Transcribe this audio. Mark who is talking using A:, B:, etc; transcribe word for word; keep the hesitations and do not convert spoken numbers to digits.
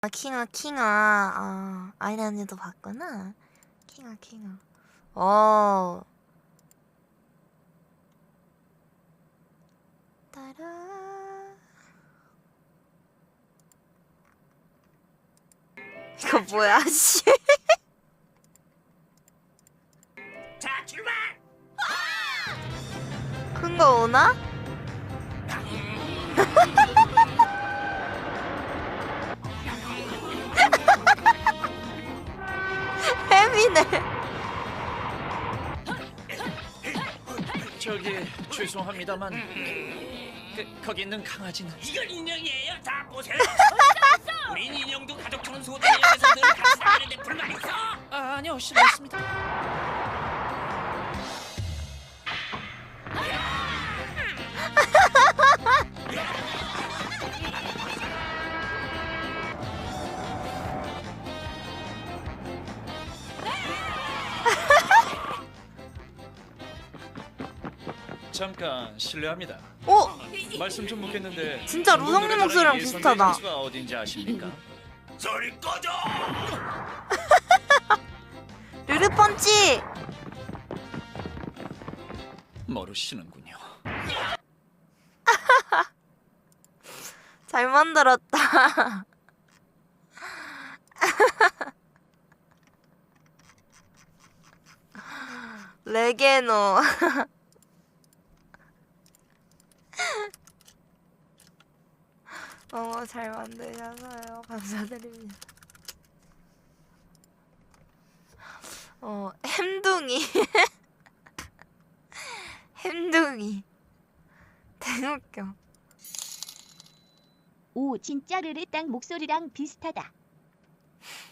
A: 아, 킹아 킹아 아 아이라 언니도 봤구나. 킹아 킹아 어 따라 이거 뭐야 씨.
B: 자 출발!
A: 큰 거 오나? 햄이네.
C: 저기 죄송합니다만 그, 거기 있는 강아지는
B: 이건 인형이에요. 다 보세요. 우린 인형도 가족처럼 소중히 여기서 늘 같이 다니는데 불만 있어?
C: 아, 아니요 실례했습니다. 잠깐 실례합니다.
A: 오!
C: 말씀 좀 묻겠는데
A: 진짜 루성님 목소리랑 비슷하다.
C: 선수가 어딘지 아십니까?
B: 소리 꺼져!
A: 르르펀치!
C: 모르시는군요.
A: 잘 만들었다. 레게노. 너무 잘 만드셔서요. 감사드립니다. 어, 햄둥이. 햄둥이. 대웃겨.
D: 오 진짜 르르 딱 목소리랑 비슷하다.